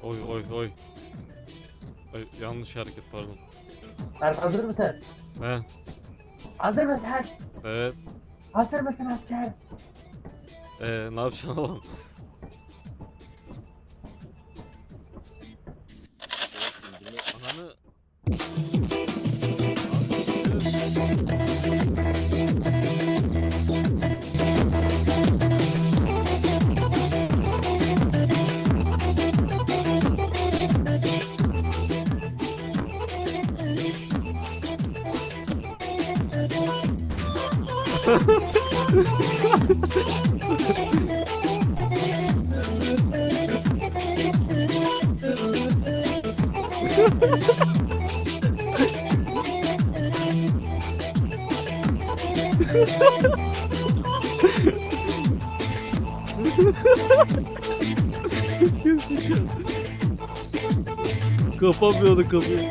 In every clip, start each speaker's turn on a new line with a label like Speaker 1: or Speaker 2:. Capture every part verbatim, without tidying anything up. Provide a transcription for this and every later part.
Speaker 1: Oy oy oy. Ay, yanlış hareket pardon.
Speaker 2: Alp hazır mısın?
Speaker 1: He.
Speaker 2: Hazır mısın?
Speaker 1: Evet.
Speaker 2: Hazır mısın asker?
Speaker 1: Ee, ne yapacaksın oğlum? Ananı... Kapamıyordu kapıyı.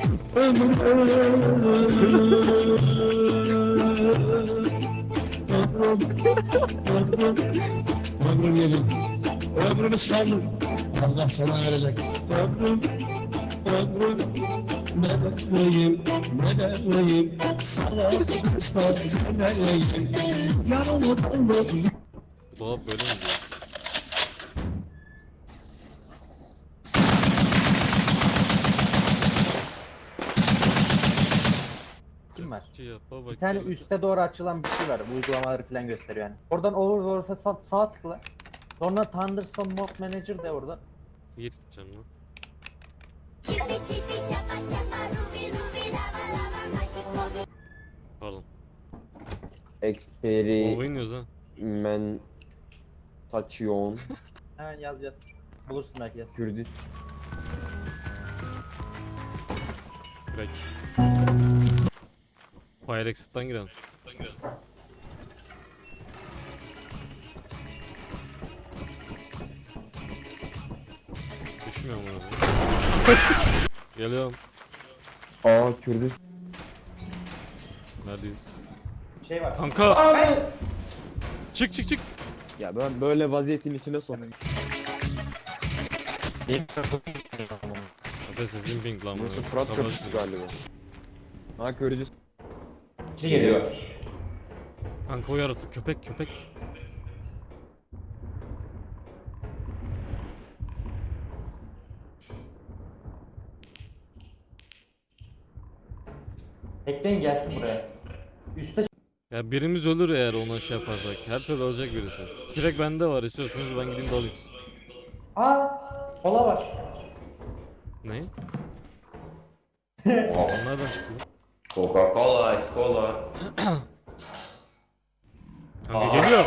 Speaker 3: Ömrüm yedim. Ömrümü saldım. Allah sana verecek. Ömrüm, ömrüm. Ne de vereyim, ne de vereyim. Sana ıslah, ne de vereyim. Yarımı kaldı.
Speaker 1: Dolap böyle mi diyor?
Speaker 2: Kim var?
Speaker 1: Cesçi yapa
Speaker 2: Bir tane
Speaker 1: bakıyor.
Speaker 2: üste doğru açılan bir şey var. Bu uygulamaları falan gösteriyor yani. Oradan Overworld'a sağ, sağ tıkla. Sonra Thunderstorm Mod Manager de orada.
Speaker 1: Git gideceğim lan. Pardon.
Speaker 4: Experimentation.
Speaker 1: Oynuyoruz ha.
Speaker 2: Hemen yaz yaz. Bulursun belki yaz.
Speaker 4: Kürdistan.
Speaker 1: Crack. Fire exit'ten girelim. Düşmüyor mu abi? Geliyorum.
Speaker 4: Aa Kürdistan.
Speaker 1: Neredeyiz?
Speaker 2: Şey var.
Speaker 1: Kanka! Çık çık çık!
Speaker 4: Ya ben böyle vaziyetin içine sok.
Speaker 1: Zaten sesin ping lan
Speaker 4: Burası
Speaker 1: bu.
Speaker 4: Fırat
Speaker 1: Kapat
Speaker 4: Köprüsü
Speaker 1: şunu.
Speaker 4: galiba. Ha Kürdistan.
Speaker 2: Bir şey geliyor.
Speaker 1: Kanka o yaratık köpek köpek.
Speaker 2: Bekleyin gelsin buraya. Üste
Speaker 1: Ya birimiz ölür eğer ona şey yaparsak. Her türlü ölecek birisi. Direkt bende var, istiyorsanız ben gideyim de alayım.
Speaker 2: Aa! Kola var.
Speaker 1: Ne? Nereden çıktı?
Speaker 5: Coca-Cola, Escola.
Speaker 1: Kanka geliyor.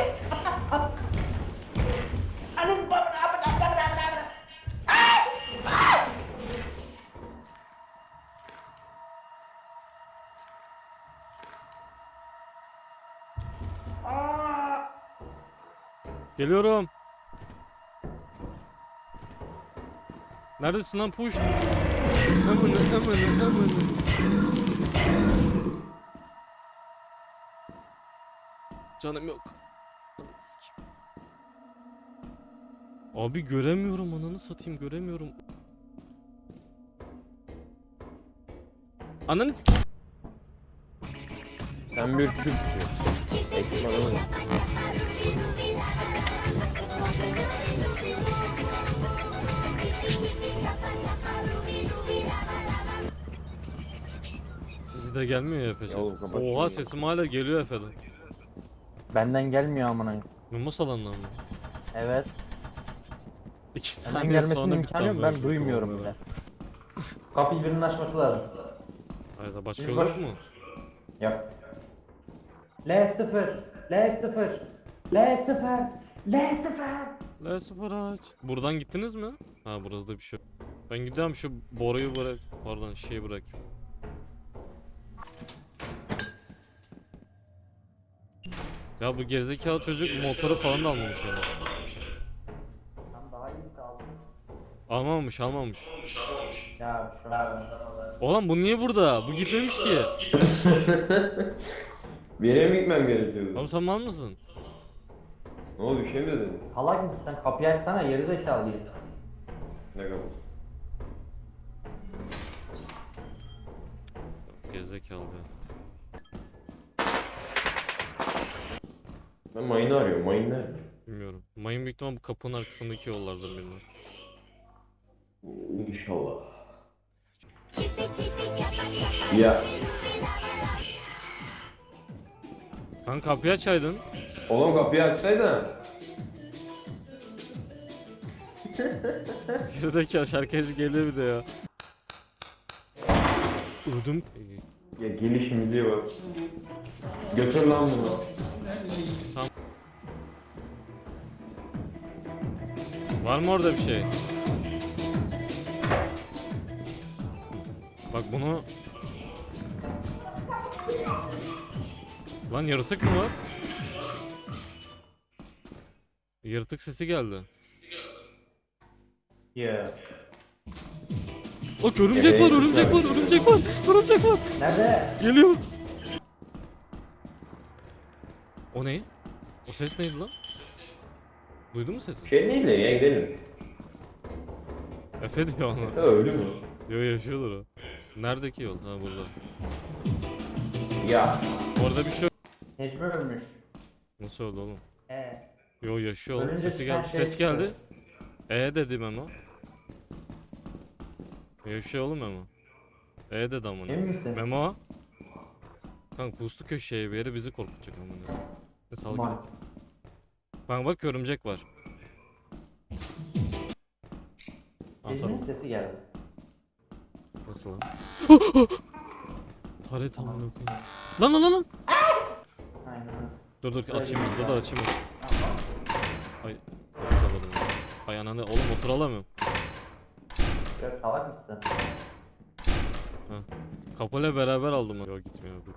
Speaker 1: Geliyorum. Neredesin lan push? Amına amına amına. Canım yok. Abi göremiyorum, ananı satayım, göremiyorum. Ananı s-
Speaker 4: Sen bir Kürtsün. Ekmanı.
Speaker 1: Sizi de gelmiyor ya Efe'ce.
Speaker 4: Ya oğlum kapat şunu
Speaker 1: Oha
Speaker 4: ya.
Speaker 1: sesim hala geliyor Efe'den.
Speaker 2: Benden gelmiyor amına.
Speaker 1: Memo salonundan mı?
Speaker 2: Evet.
Speaker 1: İki
Speaker 2: Benden
Speaker 1: saniye
Speaker 2: gelmesinin
Speaker 1: sonra bitti
Speaker 2: imkanı yok.
Speaker 1: amına
Speaker 2: Ben
Speaker 1: koyayım
Speaker 2: duymuyorum
Speaker 1: kovalamaya.
Speaker 2: bile. Kapıyı birinin açması lazım.
Speaker 1: Hayda başka
Speaker 2: Biz
Speaker 1: yol
Speaker 2: boş-
Speaker 1: yok mu?
Speaker 2: Yok. L sıfır. L sıfır. L sıfır. L sıfır.
Speaker 1: La sıfır aç. Buradan gittiniz mi? Ha burada da bir şey yok. Ben gidiyorum şu boruyu bırak. Pardon şeyi bırak. Ya bu gerizekalı çocuk motoru falan da almamış yani.
Speaker 2: Tam daha iyi kaldı.
Speaker 1: Almamış almamış.
Speaker 2: Ya şu an.
Speaker 1: Oğlum bu niye burada? Bu gitmemiş ki.
Speaker 4: Bir yere mi gitmem gerekiyordu?
Speaker 1: Oğlum sen mal mısın?
Speaker 4: Ne oldu bir şey mi dedin?
Speaker 2: Halak mısın sen? Kapıyı açsana geri zekalı herif.
Speaker 4: Ne kapısı?
Speaker 1: Gerizekalı be.
Speaker 4: Ben mayını arıyorum. Mayın nerede?
Speaker 1: Bilmiyorum. Mayın büyük ihtimal bu kapının arkasındaki yollardır bilmiyorum.
Speaker 4: İnşallah. Ya.
Speaker 1: Kanka kapıyı açaydın.
Speaker 4: Oğlum kapıyı açsaydın.
Speaker 1: Gerizekalı şarkıcı geliyor bir de ya. Ödüm.
Speaker 4: Ya gelişimize bak. Götür lan bunu.
Speaker 1: Var mı orada bir şey? Bak bunu... Lan yaratık mı var? Yaratık sesi geldi.
Speaker 2: Ya.
Speaker 1: Bak örümcek var, örümcek var, örümcek var, örümcek var.
Speaker 2: Nerede?
Speaker 1: Geliyor. O ne? O ses neydi lan? Duydun mu sesi?
Speaker 4: Şey değil de ya gidelim.
Speaker 1: Efe diyor ona.
Speaker 4: Efe öldü mü?
Speaker 1: Yo yaşıyordur o. Neredeki yol? Ha burada.
Speaker 4: Ya.
Speaker 1: Orada bir şey yok.
Speaker 2: Necmi ölmüş.
Speaker 1: Nasıl oldu oğlum?
Speaker 2: Ee.
Speaker 1: Yo yaşıyor oğlum.
Speaker 2: Ölünce
Speaker 1: Sesi
Speaker 2: çıkan
Speaker 1: geldi.
Speaker 2: şey
Speaker 1: Ses geldi.
Speaker 2: çıkıyor.
Speaker 1: E dedim ama. Yaşıyor oğlum Memo. E dedi amına.
Speaker 2: Emin misin?
Speaker 1: Memo. Kanka puslu köşeye bir yere bizi korkutacak amına. Ne sal
Speaker 2: Mal.
Speaker 1: gidip. Bak bak örümcek var.
Speaker 2: Necmi'nin
Speaker 1: Anladım.
Speaker 2: sesi geldi.
Speaker 1: Nasıl lan? Taret amına koyayım. Lan lan lan lan.
Speaker 2: Aynen öyle.
Speaker 1: Dur dur
Speaker 2: Öyle
Speaker 1: açayım
Speaker 2: bir
Speaker 1: dur dur
Speaker 2: şey.
Speaker 1: açayım. Ay. Kapadım. Ay ananı oğlum otur alamıyorum.
Speaker 2: Yok salak mısın?
Speaker 1: Kapıyla beraber aldım. Yok gitmiyor. Dur.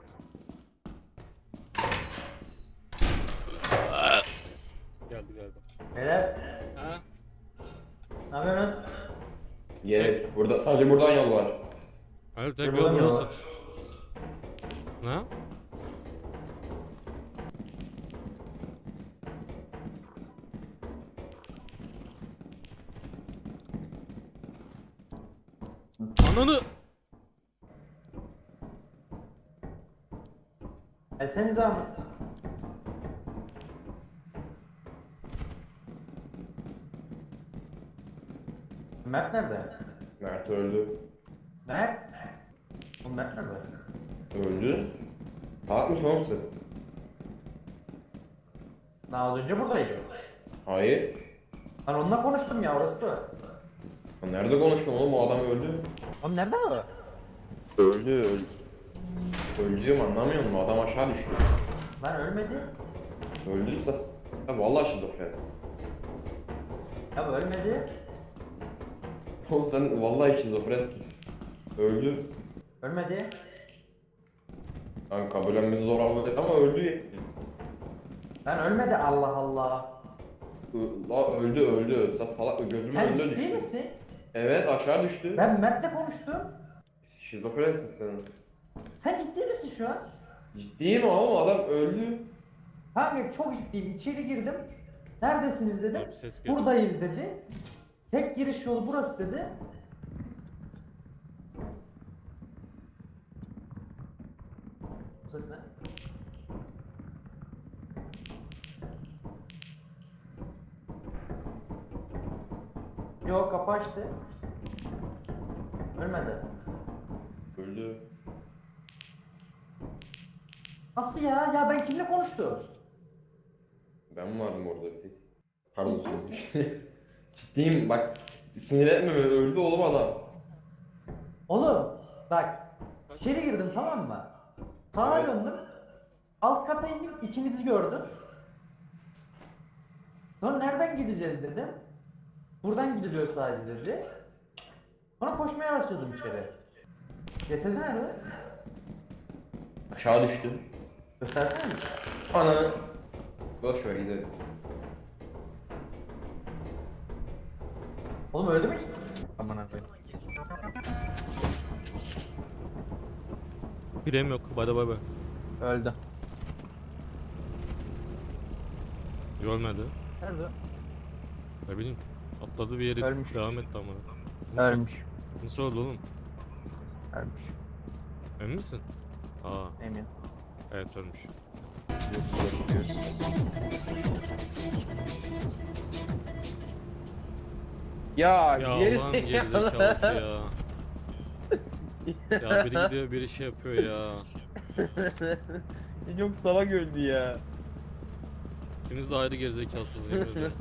Speaker 1: Geldi geldi.
Speaker 2: Beyler.
Speaker 1: Ha?
Speaker 2: Ne yapıyorsun?
Speaker 4: Yere. Burada, sadece buradan yol var.
Speaker 1: Hayır tek
Speaker 2: Buradan
Speaker 1: yol
Speaker 2: yol
Speaker 1: burası.
Speaker 2: var.
Speaker 1: Ne? Ananı.
Speaker 2: Gelsenize Ahmet. Mert nerede?
Speaker 4: Mert öldü.
Speaker 2: Mert? Oğlum Mert nerede?
Speaker 4: Öldü. Salak mısın oğlum sen?
Speaker 2: Daha az önce buradaydı.
Speaker 4: Hayır.
Speaker 2: Ben onunla konuştum ya orası da.
Speaker 4: Ya nerede konuştun oğlum, o adam öldü.
Speaker 2: Oğlum nerede o?
Speaker 4: Öldü öldü. Öldü diyorum, anlamıyor musun? Adam aşağı düştü.
Speaker 2: Lan ölmedi.
Speaker 4: Öldüyse... Ya vallahi şizofren.
Speaker 2: Ya bu ölmedi.
Speaker 4: Oğlum sen vallahi şizofrensin. Öldü.
Speaker 2: Ölmedi.
Speaker 4: Yani kabullenmesi zor olmadı ama öldü.
Speaker 2: Lan ölmedi Allah Allah.
Speaker 4: Ö- La öldü öldü. Sen salak, gözümün
Speaker 2: Sen
Speaker 4: önünde
Speaker 2: ciddi
Speaker 4: düştü.
Speaker 2: misin?
Speaker 4: Evet, aşağı düştü.
Speaker 2: Ben Mert'le konuştum.
Speaker 4: Şizofrensin sen.
Speaker 2: Sen ciddi misin şu an?
Speaker 4: Ciddiyim oğlum, adam öldü.
Speaker 2: Kanka çok ciddiyim. İçeri girdim. Neredesiniz dedim.
Speaker 1: Bir ses geldi.
Speaker 2: Buradayız dedi. Tek giriş yolu burası dedi. Bu ses ne? Yok kapı açtı. Ölmedi.
Speaker 4: Öldü.
Speaker 2: Nasıl ya? Ya ben kimle konuştum?
Speaker 4: Ben vardım orada bir tek. Pardon. Ciddiyim bak. Sinir etme beni, öldü oğlum adam.
Speaker 2: Oğlum bak içeri girdim tamam mı? Sağa
Speaker 4: Evet.
Speaker 2: döndüm. Alt kata indim ikinizi gördüm. Sonra nereden gideceğiz dedim. Buradan gidiliyor sadece dedi. Sonra koşmaya başladım içeri. Cesedi nerede?
Speaker 4: Aşağı düştü.
Speaker 2: Göstersene mi?
Speaker 4: Ana. Boş ver gidelim.
Speaker 2: Oğlum öldü mü hiç? Aman abi.
Speaker 1: Birem yok. Bay bay bay.
Speaker 2: Öldü.
Speaker 1: Görmedi.
Speaker 2: Nerede?
Speaker 1: Ne bileyim. Atladı bir yere
Speaker 2: Ölmüş.
Speaker 1: devam etti ama. Nasıl,
Speaker 2: Ölmüş.
Speaker 1: nasıl oldu oğlum?
Speaker 2: Ölmüş.
Speaker 1: Emin misin? Aa,
Speaker 2: Emin.
Speaker 1: evet ölmüş.
Speaker 4: Ya,
Speaker 1: Ya
Speaker 4: geri
Speaker 1: Allah'ın gerizekalısı ya. Ya biri gidiyor biri şey yapıyor ya.
Speaker 4: Çok salak öldü ya.
Speaker 1: İkiniz de ayrı gerizekalısınız yemin ediyorum.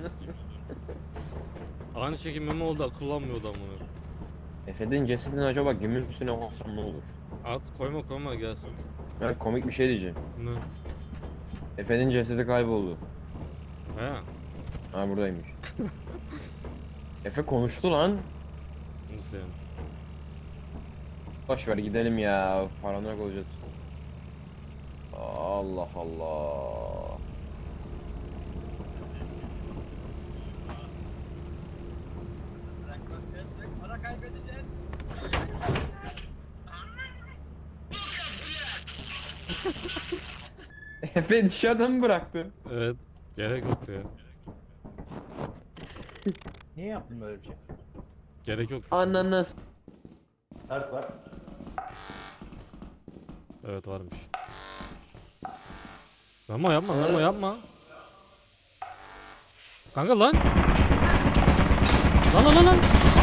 Speaker 1: Aynı şekilde Memo oldu akıllanmıyordu amına.
Speaker 4: Efe'nin cesedini acaba geminin üstüne koysam ne olur?
Speaker 1: At koyma koyma gelsin.
Speaker 4: Ben komik bir şey diyeceğim.
Speaker 1: Ne?
Speaker 4: Efe'nin cesedi kayboldu.
Speaker 1: He.
Speaker 4: Ha buradaymış. Efe konuştu lan.
Speaker 1: Nasıl yani?
Speaker 4: Boş ver gidelim ya. Paranoyak olacağız. Allah Allah.
Speaker 6: Para kaybedeceğiz.
Speaker 4: Efe dışarıda mı bıraktı?
Speaker 1: Evet. Gerek yoktu ya.
Speaker 2: Niye yaptın böyle bir şey?
Speaker 1: Gerek yoktu.
Speaker 4: Ananas.
Speaker 2: Dert var.
Speaker 1: Evet varmış. Memo yapma Memo yapma. Kanka lan. Lan lan lan lan.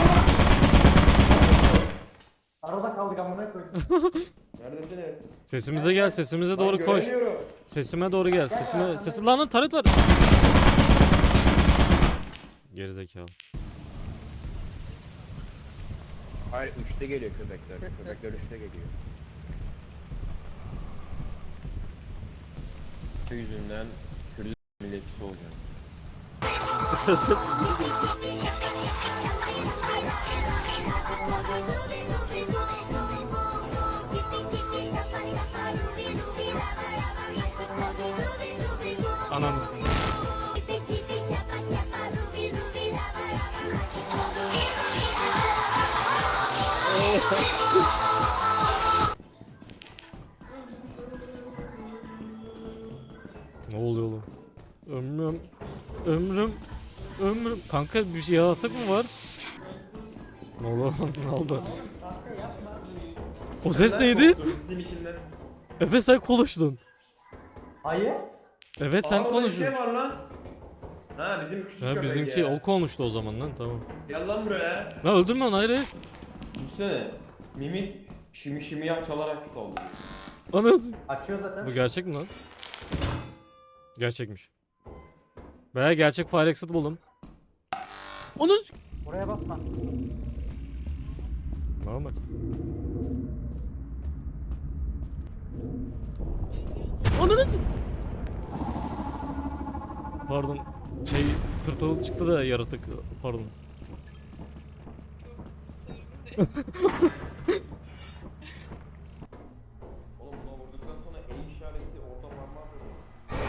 Speaker 2: Arada kaldık amına koydum.
Speaker 4: Neredesiniz?
Speaker 1: Sesimize gel sesimize doğru koş. Sesime doğru gel. Sesime sesim lan lan taret var. Gerizekalı.
Speaker 4: Hayır üçte geliyor köpekler. Köpekler üçte geliyor. Bu yüzünden Kürt milletçisi olacağım.
Speaker 1: Anam. Ne oluyor oğlum? Ömrüm, ömrüm, ömrüm. Kanka bir şey yaratık mı var? Ne oldu? Ne oldu? O ses neydi?
Speaker 4: Turistin içinden.
Speaker 1: Efe sen konuştun.
Speaker 2: Hayır.
Speaker 1: Evet sen
Speaker 4: Aa, orada bir
Speaker 1: konuştun.
Speaker 4: şey var lan. Ha bizim küçük
Speaker 1: Ha,
Speaker 4: köpek
Speaker 1: bizimki
Speaker 4: ya.
Speaker 1: o konuştu o zaman lan tamam.
Speaker 4: Gel lan buraya.
Speaker 1: Lan öldürme onu hayır hayır.
Speaker 4: Düşünsene. Mimik şimi şimi yap çalarak saldırıyor.
Speaker 1: Anasını.
Speaker 2: Açıyor zaten.
Speaker 1: Bu gerçek mi lan? Gerçekmiş. Veya gerçek fire exit buldum. Onu
Speaker 2: Oraya basma.
Speaker 1: normal. Onu Pardon. Şey tırtıl çıktı da yaratık. Pardon.
Speaker 4: Oğlum buna vurduktan sonra E işareti orada parmağı böyle.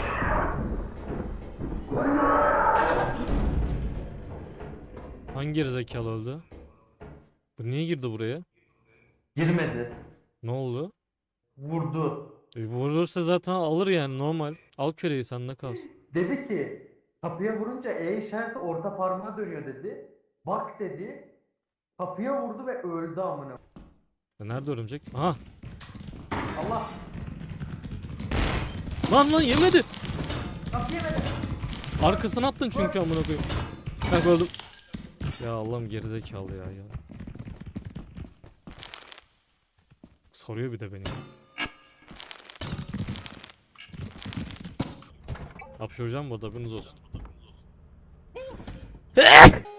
Speaker 1: Hangi gerizekalı öldü? Bu niye girdi buraya?
Speaker 2: Girmedi.
Speaker 1: Ne oldu?
Speaker 2: Vurdu.
Speaker 1: E, vurursa zaten alır yani normal. Al küreği sende kalsın.
Speaker 2: Dedi ki kapıya vurunca E işareti orta parmağa dönüyor dedi. Bak dedi. Kapıya vurdu ve öldü amına.
Speaker 1: Ya nerede örümcek? Aha.
Speaker 2: Allah.
Speaker 1: Lan lan yemedi.
Speaker 2: Kapı yemedi.
Speaker 1: Arkasına attın çünkü amına koyayım. Kanka öldüm. Ya Allah'ım gerizekalı ya ya. Soruyor bir de beni. Hapşıracağım bu arada haberiniz olsun.